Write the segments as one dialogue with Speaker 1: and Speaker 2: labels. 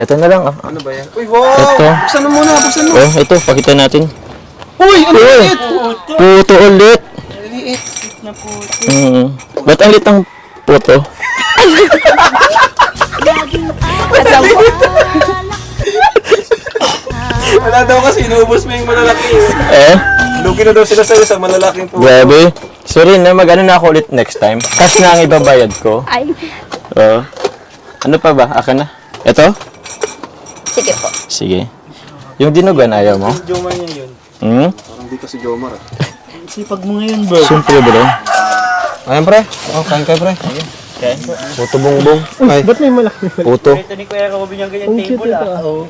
Speaker 1: Ito na lang.
Speaker 2: Ano ba yan? Uy, wow!
Speaker 1: Ito.
Speaker 2: Buksan mo muna, buksan mo.
Speaker 1: Oh, ito. Pakita natin.
Speaker 2: Uy, ano liit?
Speaker 1: Puto ulit.
Speaker 2: Liit.
Speaker 1: Ba't ang lit ang puto?
Speaker 2: Wala daw kasi, inuubos mo yung malalaki.
Speaker 1: Eh?
Speaker 2: Lugi na daw sila sa'yo sa malalaking po.
Speaker 1: Grabe. Sorry na, mag-ano na ako ulit next time. Cash na ang ibabayad ko.
Speaker 3: Ay,
Speaker 1: Oo. Ano pa ba? Akin na. Ito?
Speaker 3: sige po.
Speaker 1: Sige. Yung dinugan, ayaw mo?
Speaker 2: Jomar niya yun.
Speaker 1: Hmm?
Speaker 2: Parang di kasi Jomar ah.
Speaker 4: Sipag mo ngayon, bro.
Speaker 1: Siyempre, bro.
Speaker 2: Ayan pre. Oh, kain kayo pre.
Speaker 1: Puto bongbong.
Speaker 2: Ay,
Speaker 4: Ba't may malaki?
Speaker 1: Puto.
Speaker 4: Ito ni Kuya Robin yung ganyan table, Oo.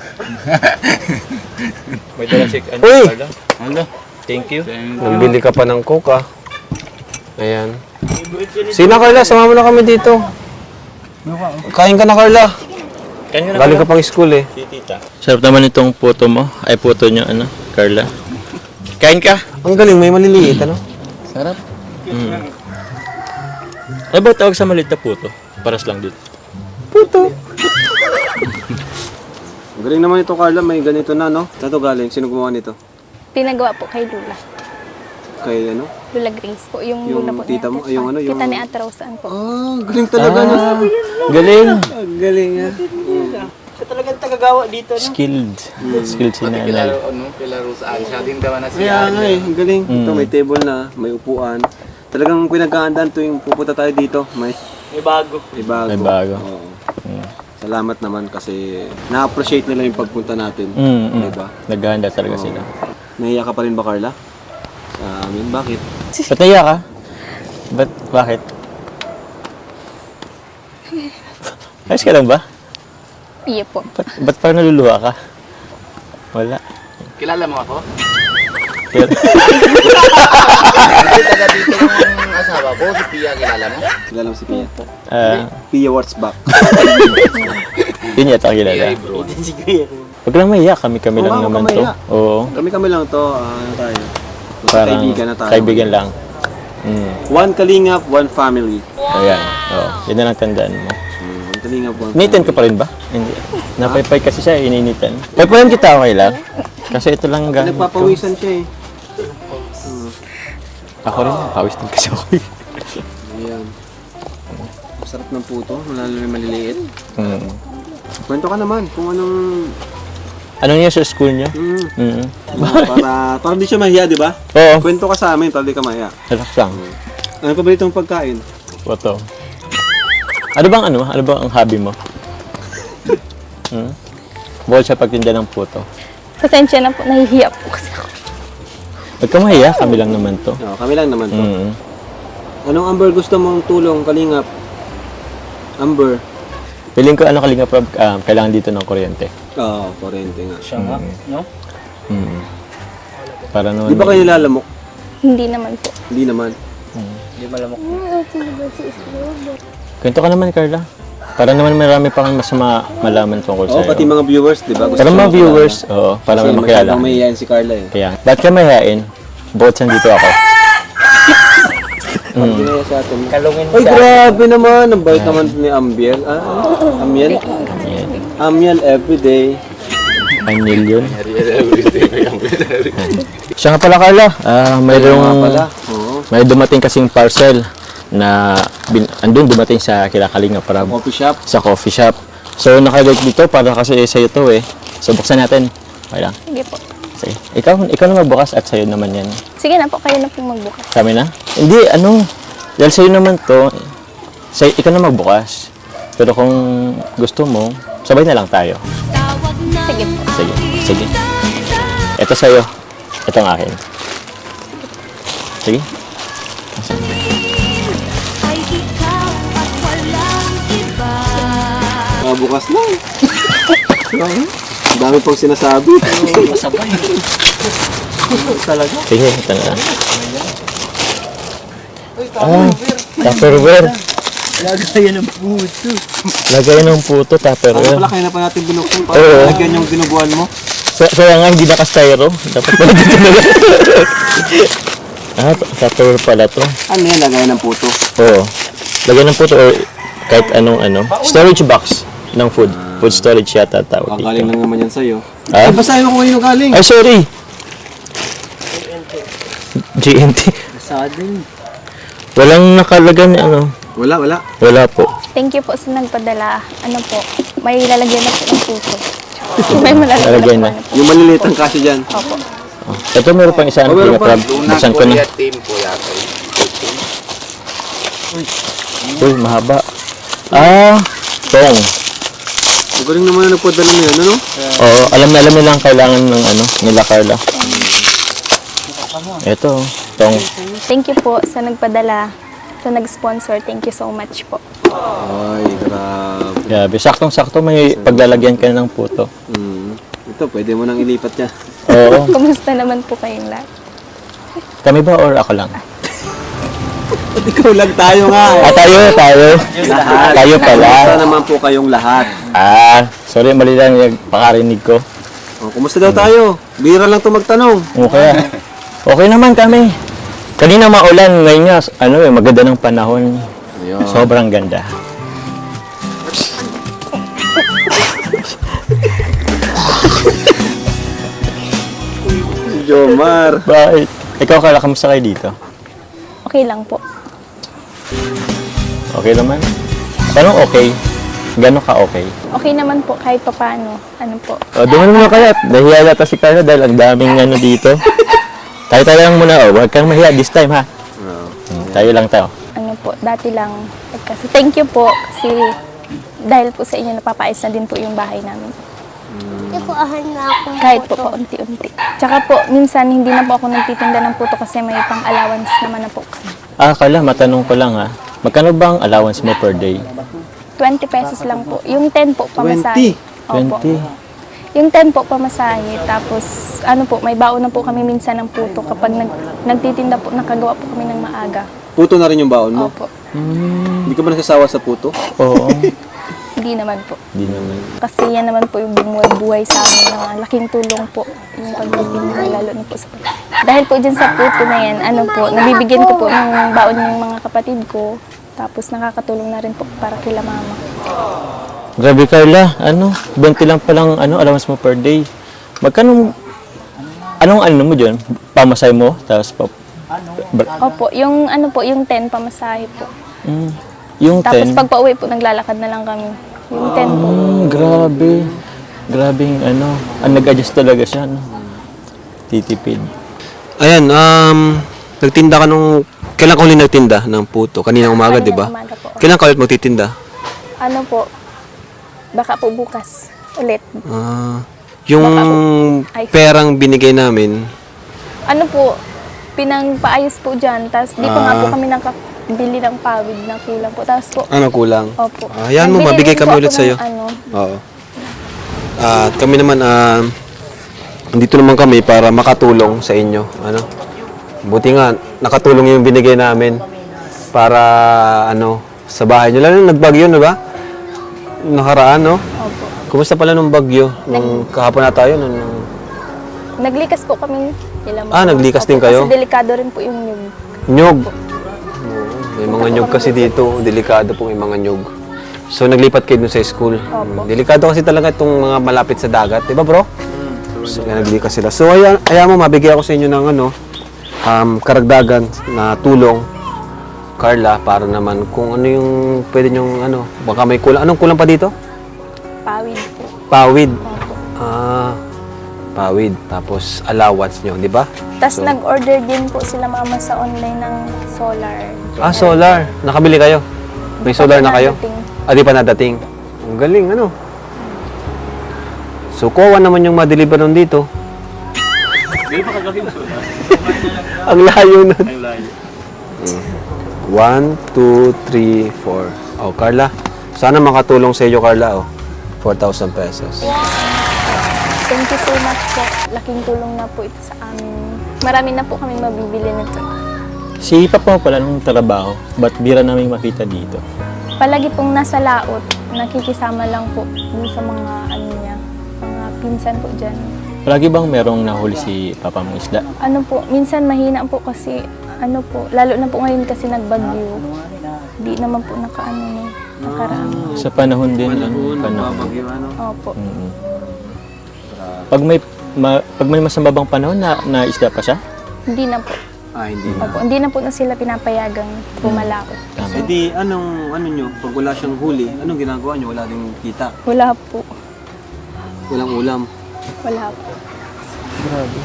Speaker 2: may dala si
Speaker 1: Uy!
Speaker 2: Ano?
Speaker 1: Thank you.
Speaker 2: Nagbili ka pa ng coke ah. Ayan. Sina Carla, sama mo na kami dito. Kain ka na Carla. Galing ka pang school eh.
Speaker 1: Sarap naman itong puto mo. Ay, puto niya, ano, Carla. Kain ka.
Speaker 2: Ang galing, may maliliit ano?
Speaker 1: Sarap. Ano ba tawag sa maliit na puto? Paras lang dito.
Speaker 2: Puto. Ang galing naman ito Carla, may ganito na no? Saan to galing? Sino gumawa nito?
Speaker 3: Pinagawa po kay Lula.
Speaker 2: Kay ano?
Speaker 3: Lula Grace po. Yung
Speaker 2: Yung
Speaker 3: Lula po
Speaker 2: tita mo?
Speaker 3: ni Ate
Speaker 2: Yung ano,
Speaker 3: Kita
Speaker 2: yung-
Speaker 3: ni Ate Roseanne po.
Speaker 2: Ah, galing talaga no?
Speaker 1: Galing.
Speaker 2: Ang galing ah.
Speaker 4: Siya talagang tagagawa dito, no?
Speaker 1: Skilled. Skilled si nanay.
Speaker 2: Kaya nga eh, ang galing. Ito may table na, may upuan. Talagang pinagkaandaan tuwing pupunta tayo dito. May
Speaker 4: May bago.
Speaker 2: bago.
Speaker 1: May bago.
Speaker 2: Oo. Salamat naman kasi na-appreciate nila yung pagpunta natin. Diba?
Speaker 1: Naghahanda talaga sila.
Speaker 2: Nahiya ka pa rin ba Carla? Sa amin, bakit?
Speaker 1: Ba't naiya ka? Bakit? Ayos ka lang ba?
Speaker 3: Iya po.
Speaker 1: Ba't parang naluluha ka? Wala.
Speaker 5: Kilala mo ako? Taga dito yung asawa ko, si Pia, kilala mo?
Speaker 2: Kilala mo si Pia?
Speaker 1: Pia,
Speaker 2: Pia what's back?
Speaker 1: yun yata kilala.
Speaker 5: bro.
Speaker 4: Si Kuya.
Speaker 1: Huwag lang maiya. Kami-kami lang
Speaker 2: Oo,
Speaker 1: naman
Speaker 2: huwag
Speaker 1: to.
Speaker 2: kang
Speaker 1: Oo.
Speaker 2: Kami lang to, ano tayo?
Speaker 1: Parang
Speaker 2: Kaibigan na tayo.
Speaker 1: kaibigan lang.
Speaker 2: One kalingap, one family.
Speaker 1: Ayan. Oo. Yun na lang tandaan mo.
Speaker 2: One kalingap, one
Speaker 1: Initan ka pa rin ba? Hindi. Napaypay kasi siya, ininitan. Paypayan kita, okay lang? Kasi ito lang gamit ko.
Speaker 2: Nagpapawisan siya eh.
Speaker 1: Ako rin, pawis din kasi ako.
Speaker 2: Ayan. Sarap ng puto, lalo na maliliit.
Speaker 1: Mm.
Speaker 2: Kwento ka naman kung anong...
Speaker 1: Anong niya sa school niyo?
Speaker 2: para di siya mahiya, di ba?
Speaker 1: Oo.
Speaker 2: Kwento ka sa amin para di ka mahiya.
Speaker 1: Relax lang.
Speaker 2: Ano pa ba itong pagkain?
Speaker 1: Wato. Ano bang ang hobby mo? Bukod sa pagtinda ng puto.
Speaker 3: Pasensya na po. Nahihiya po kasi ako.
Speaker 1: Huwag ka mahiya, kami lang naman to.
Speaker 2: No, kami lang naman to.
Speaker 1: Mm.
Speaker 2: Anong Amber gusto mong tulong, kalingap? Amber?
Speaker 1: Piling ko Kalinga Prab, kailangan dito ng kuryente.
Speaker 2: Oo, kurente nga.
Speaker 4: Siya nga, no?
Speaker 1: Para naman...
Speaker 2: Di ba kayo nilalamok?
Speaker 3: Hindi naman po.
Speaker 2: Hindi naman.
Speaker 4: Hindi malamok.
Speaker 1: Kwento ka naman, Carla. Para naman marami pa kang mas malaman tungkol
Speaker 2: Oo,
Speaker 1: sa'yo.
Speaker 2: pati mga viewers, di ba? Gusto
Speaker 1: Para mga
Speaker 2: nyo
Speaker 1: viewers, oo, para
Speaker 2: Kasi
Speaker 1: makilala.
Speaker 2: masyadong mahihayin si Carla eh.
Speaker 1: Kaya, ba't ka mahihain? Bukod sa dito ako.
Speaker 2: Hindi na sa atin.
Speaker 4: Kalungin
Speaker 2: Ay,
Speaker 4: siya.
Speaker 2: grabe naman. Ang bait naman ni Ambiel. Amiel?
Speaker 1: Ayan.
Speaker 2: Amiel everyday.
Speaker 1: Anil yun. Siya nga pala, Carla.
Speaker 2: Nga pala. Oo.
Speaker 1: May dumating kasing parcel na andun dumating sa Kalinga Prab
Speaker 2: Coffee shop.
Speaker 1: sa coffee shop. So nakalagay dito para kasi sa'yo to eh. So buksan natin. Okay lang.
Speaker 3: Sige po.
Speaker 1: Sige. Ikaw na magbukas at sa'yo naman yan.
Speaker 3: Sige na po. Kayo na po magbukas.
Speaker 1: Kami na? Hindi, dahil sa'yo naman to, ikaw na magbukas. Pero kung gusto mo, sabay na lang tayo.
Speaker 3: Sige po.
Speaker 1: Sige. Ito sa'yo. Ito ang akin. Sige.
Speaker 2: Bukas lang. Ang dami pang sinasabi.
Speaker 4: Masabay.
Speaker 2: Talaga.
Speaker 1: Sige, ito na lang. Tupperware.
Speaker 4: Lagayan ng puto.
Speaker 1: Lagay ng puto,
Speaker 2: Ano
Speaker 1: Tupperware.
Speaker 2: pala, kaya na pa natin binuksan para
Speaker 1: Oo.
Speaker 2: lagyan yung binubuhan mo.
Speaker 1: Kaya nga, hindi naka-styro. Dapat pala dito na lang. Tupperware pala to.
Speaker 2: Ano yan, lagayan ng puto?
Speaker 1: Oo. Lagay ng puto or kahit anong storage box. ng food. Food storage yata tawag
Speaker 2: Kagaling
Speaker 1: dito.
Speaker 2: lang naman yan sa'yo.
Speaker 1: Ah?
Speaker 2: Basahin mo kung kanino galing.
Speaker 1: Ay, sorry! GNT.
Speaker 4: Sadin.
Speaker 1: Walang nakalagan ano.
Speaker 2: Wala.
Speaker 1: Wala po.
Speaker 3: Thank you po sa nagpadala. Ano po, may lalagyan na po ng puso. May malalagyan
Speaker 1: Lalagyan
Speaker 3: na
Speaker 1: na.
Speaker 3: po. Ano po.
Speaker 2: Yung maliliit ang kasi dyan.
Speaker 3: Opo.
Speaker 1: Oh. Ito meron pang isa. Ano,
Speaker 2: meron pa.
Speaker 1: crab.
Speaker 5: Luna
Speaker 1: Buksan ko na.
Speaker 5: Korea team po yata.
Speaker 1: Uy, mahaba. Ah, tong.
Speaker 2: Magaling naman na nagpadala na yan, ano?
Speaker 1: Oo, alam na nila ang kailangan ng ano, nila Carla. Ito, tong.
Speaker 3: Thank you po sa nagpadala, sa nag-sponsor. Thank you so much po.
Speaker 2: Ay, grabe.
Speaker 1: Grabe, saktong-sakto may paglalagyan ka ng puto.
Speaker 2: Ito, pwede mo nang ilipat niya.
Speaker 1: Oo.
Speaker 3: Kumusta naman po kayong lahat?
Speaker 1: Kami ba or ako lang?
Speaker 2: Ikaw lang tayo nga.
Speaker 1: Ah, tayo.
Speaker 2: Lahat.
Speaker 1: Tayo pala.
Speaker 2: Kumusta naman po kayong lahat?
Speaker 1: Ah, sorry, mali lang yung pakarinig ko.
Speaker 2: Oh, kumusta daw tayo? Bira lang ito magtanong.
Speaker 1: Okay. Okay naman kami. Kanina maulan, ngayon nga, maganda ng panahon.
Speaker 2: Ayun.
Speaker 1: Sobrang ganda.
Speaker 2: Jomar.
Speaker 1: Bakit? Ikaw, Carla, kamusta kayo dito?
Speaker 3: Okay lang po.
Speaker 1: Okay naman? Paano okay? Gano'n ka okay?
Speaker 3: Okay naman po kahit papaano. Ano po.
Speaker 1: O, duman mo kaya. Nahiya yata si Carla dahil ang daming ano dito. Tayo lang muna, huwag kang mahiya this time, ha? Tayo lang tayo.
Speaker 3: Ano po, dati lang. Kasi thank you po kasi dahil po sa inyo napapaayos na din po yung bahay namin. Kahit po paunti-unti. Tsaka po, minsan hindi na po ako nagtitinda ng puto kasi may pang-allowance naman na po kami.
Speaker 1: Ah, Carla, matanong ko lang, ha? Magkano ba ang allowance mo per day?
Speaker 3: 20 pesos lang po. Yung 10 po pamasahe.
Speaker 1: 20?
Speaker 3: Opo. Yung 10 po pamasahe. Tapos, ano po, may baon na po kami minsan ng puto kapag nagtitinda po, nakagawa po kami ng maaga.
Speaker 2: Puto na rin yung baon mo?
Speaker 3: Opo.
Speaker 2: Hindi ka ba nasasawa sa puto?
Speaker 1: Oo.
Speaker 3: Hindi naman po.
Speaker 1: Hindi naman.
Speaker 3: Kasi yan naman po yung bumuhay sa amin na laking tulong po yung pagtitinda, lalo na po sa dahil po dyan sa puto na yan, ano po, nabibigyan ko po ng baon yung mga kapatid ko. Tapos nakakatulong na rin po para kila mama.
Speaker 1: Grabe, Carla. 20 lang palang allowance mo per day. Magkano, anong mo dyan? Pamasay mo? Tapos
Speaker 3: Opo, yung ano po, yung 10 pamasahe po.
Speaker 1: yung 10?
Speaker 3: Tapos pag pauwi po, naglalakad na lang kami. Yung 10 po.
Speaker 1: Grabe. Grabing nag-adjust talaga siya, no? Titipid.
Speaker 2: Ayan, nagtinda ka nung... Kailan ka ulit nagtinda ng puto? Kanina umaga, di ba?
Speaker 3: Kaninang umaga po.
Speaker 2: Kailan ka ulit magtitinda?
Speaker 3: Ano po, baka po bukas ulit.
Speaker 2: Yung
Speaker 3: Ay.
Speaker 2: perang binigay namin,
Speaker 3: Ano po, pinangpaayos po dyan. Tapos di pa nga po kami nakabili ng pawid na kulang po. Tapos po,
Speaker 2: ano kulang?
Speaker 3: opo.
Speaker 2: Ayan mo,
Speaker 3: Nagbili
Speaker 2: mabigay
Speaker 3: rin
Speaker 2: kami
Speaker 3: po
Speaker 2: ulit
Speaker 3: ako
Speaker 2: sa'yo.
Speaker 3: ng Ano,
Speaker 2: Oo. At kami naman, dito naman kami para makatulong sa inyo. Buti nga, nakatulong yung binigay namin para, sa bahay nyo. Lalo nagbagyo, di ba? Nakaraan, no?
Speaker 3: opo.
Speaker 2: Kumusta pala nung bagyo? Nung kahapon na tayo,
Speaker 3: Naglikas po kami.
Speaker 2: naglikas din kayo?
Speaker 3: Kasi delikado rin po yung nyug.
Speaker 2: Nyog. Oo, may mga nyog kasi dito. Delikado po may mga nyog. So, naglipat kayo dun sa school.
Speaker 3: Opo.
Speaker 2: Delikado kasi talaga itong mga malapit sa dagat. Di ba, bro? So, naglikas sila. So, ayaw mo, mabigay ako sa inyo ng karagdagan na tulong, Carla, para naman kung ano yung pwede nyong, baka may kulang. Anong kulang pa dito?
Speaker 3: Pawid po.
Speaker 2: Pawid.
Speaker 3: Opo.
Speaker 2: Pawid. Tapos, allowance nyo, di ba?
Speaker 3: Tapos nag-order din po sila mama sa online ng solar.
Speaker 2: Solar. Nakabili kayo? May solar na kayo?
Speaker 3: Nadating.
Speaker 2: Di pa nadating. Ang galing, So, kuha naman yung ma-deliver nun dito. Ang layo nun. 1, 2, 3, 4. Oh, Carla. Sana makatulong sa iyo, Carla. 4,000 pesos.
Speaker 3: Thank you so much po. Laking tulong na po ito sa amin. Marami na po kami mabibili nito.
Speaker 1: Si Papa mo pala nung trabaho, ba't bira namin makita dito?
Speaker 3: Palagi pong nasa laot, nakikisama lang po dun sa mga niya, mga pinsan po dyan.
Speaker 1: Palagi bang merong nahuli si Papa mong isda?
Speaker 3: Ano po, minsan mahina po kasi, lalo na po ngayon kasi nagbagyo. Di naman po nakaano na. nakaraan.
Speaker 1: Sa panahon din.
Speaker 2: Panahon,
Speaker 1: Panahon.
Speaker 2: babagyo, ano.
Speaker 3: Opo.
Speaker 1: Mm. Pag may masambabang panahon na isda pa siya?
Speaker 3: Hindi na po.
Speaker 2: Hindi na.
Speaker 3: Opo, hindi na po na sila pinapayagang pumalaot.
Speaker 1: Tama.
Speaker 2: Eh di, ano nyo, pag wala siyang huli, anong ginagawa nyo? Wala ding kita.
Speaker 3: Wala po.
Speaker 2: Walang ulam.
Speaker 3: Wala po.
Speaker 1: Grabe.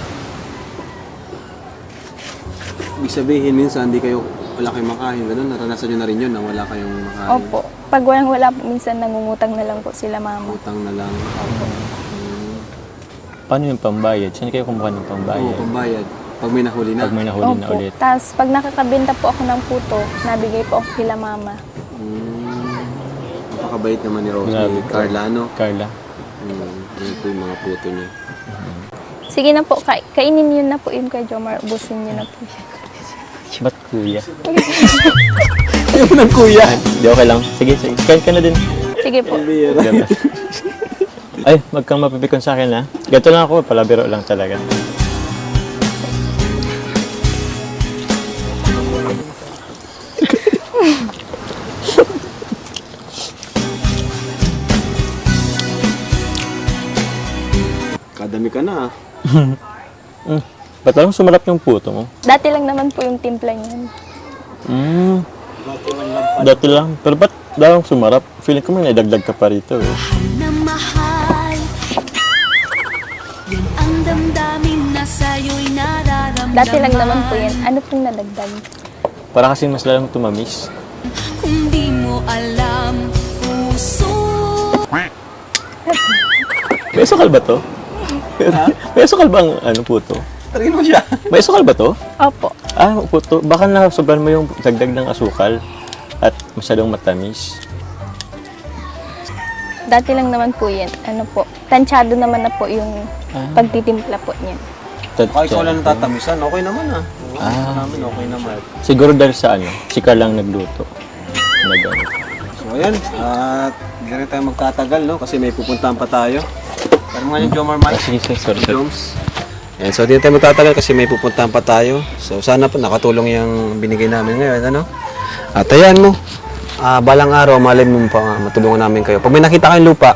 Speaker 2: Ibig sabihin, minsan, wala kayong makain. Ganun, naranasan nyo na rin yun na wala kayong makain.
Speaker 3: Opo. Pag wala po, minsan nangungutang na lang po sila mama.
Speaker 2: Utang na lang.
Speaker 1: Paano yung pambayad? Saan kayo kumuha ng
Speaker 2: Oo,
Speaker 1: pambayad?
Speaker 2: pambayad. Pag may nahuli na.
Speaker 1: Pag may nahuli na
Speaker 3: Opo.
Speaker 1: ulit.
Speaker 3: Tapos pag nakakabenta po ako ng puto, nabigay po ako kila mama.
Speaker 2: Napakabait naman ni Rose,
Speaker 1: Grabe.
Speaker 2: ni Carla, ano?
Speaker 1: Carla.
Speaker 2: Yan po yung mga puto niya.
Speaker 3: Sige na po, kainin yun na po yun kay Jomar. Ubusin niyo na po yan.
Speaker 1: Ba't kuya?
Speaker 2: Ayaw mo ng kuya!
Speaker 1: Hindi, okay lang. Sige, sige. Kain ka na din.
Speaker 3: Sige po.
Speaker 1: Ganda. Ay, wag kang mapipikon sa akin, ha? Ganito lang ako, palabiro lang talaga.
Speaker 2: Kadami ka na, ah.
Speaker 1: Ba't lang sumarap yung puto mo?
Speaker 3: Dati lang naman po yung timpla niyan.
Speaker 1: Dati lang. Pero ba't dalang sumarap? Feeling ko may naidagdag ka pa rito, eh.
Speaker 6: na mahal. Yan ang damdamin na sa'yo'y nararamdaman.
Speaker 3: Dati lang naman po yan. Ano pong nadagdag?
Speaker 1: Para kasi mas lalong tumamis.
Speaker 6: Kung di mo alam, puso.
Speaker 1: May sukal ba to? May sukal ba ang ano, puto?
Speaker 2: Tarin mo siya.
Speaker 1: May sukal ba to?
Speaker 3: Opo.
Speaker 1: Ah, puto. Baka nasobran mo yung dagdag ng asukal at masyadong matamis.
Speaker 3: Dati lang naman po yan. Ano po, tansyado naman na po yung pagtitimpla po niyan.
Speaker 2: Baka ikaw lang tatamisan, okay naman, ah. Namin, okay naman.
Speaker 1: Siguro dahil sa ano, si Carl lang nagluto. Nag-ano.
Speaker 2: So, ayan. At hindi na rin tayo magtatagal, no? Kasi may pupuntahan pa tayo. Pero nga yung Jomar Mike.
Speaker 1: Sige, sige, sorry.
Speaker 2: Joms. Ayan, so, hindi na tayo magtatagal kasi may pupuntahan pa tayo. So, sana po nakatulong yung binigay namin ngayon, ano? At ayan mo. Balang araw, malay mo pa matulungan namin kayo. Pag may nakita kayong lupa,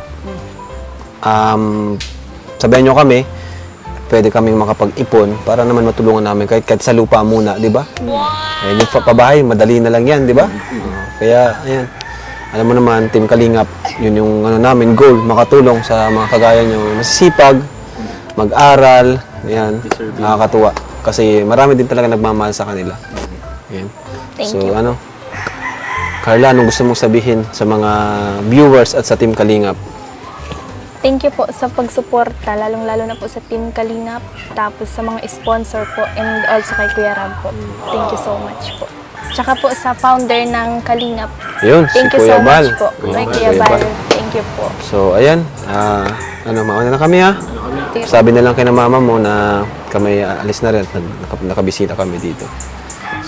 Speaker 2: sabihan nyo kami, pwede kaming makapag-ipon para naman matulungan namin kahit sa lupa muna, di ba? Ayan, yung pabahay, madali na lang yan, di ba? Kaya, ayan. Alam mo naman, Team Kalingap, yun yung ano namin, goal, makatulong sa mga kagaya nyo, masisipag, mag-aral, ayan, nakakatuwa. Kasi marami din talaga nagmamahal sa kanila. Ayan.
Speaker 3: Thank
Speaker 2: So,
Speaker 3: you.
Speaker 2: ano, Carla, anong gusto mong sabihin sa mga viewers at sa Team Kalingap?
Speaker 3: Thank you po sa pagsuporta, lalong-lalo na po sa Team Kalingap, tapos sa mga sponsor po, and also kay Kuya Rab po. Thank you so much po. Tsaka po sa founder ng Kalingap.
Speaker 2: Yun,
Speaker 3: Thank
Speaker 2: si
Speaker 3: you
Speaker 2: Kuya
Speaker 3: so
Speaker 2: Bal.
Speaker 3: much po.
Speaker 2: Ayan,
Speaker 3: Kay
Speaker 2: Kuya
Speaker 3: Kuya
Speaker 2: Bal.
Speaker 3: Bal. Thank you po.
Speaker 2: So, ayan, mauna na kami, ha? Sabi na lang kay na mama mo na kami alis na rin at nakabisita kami dito.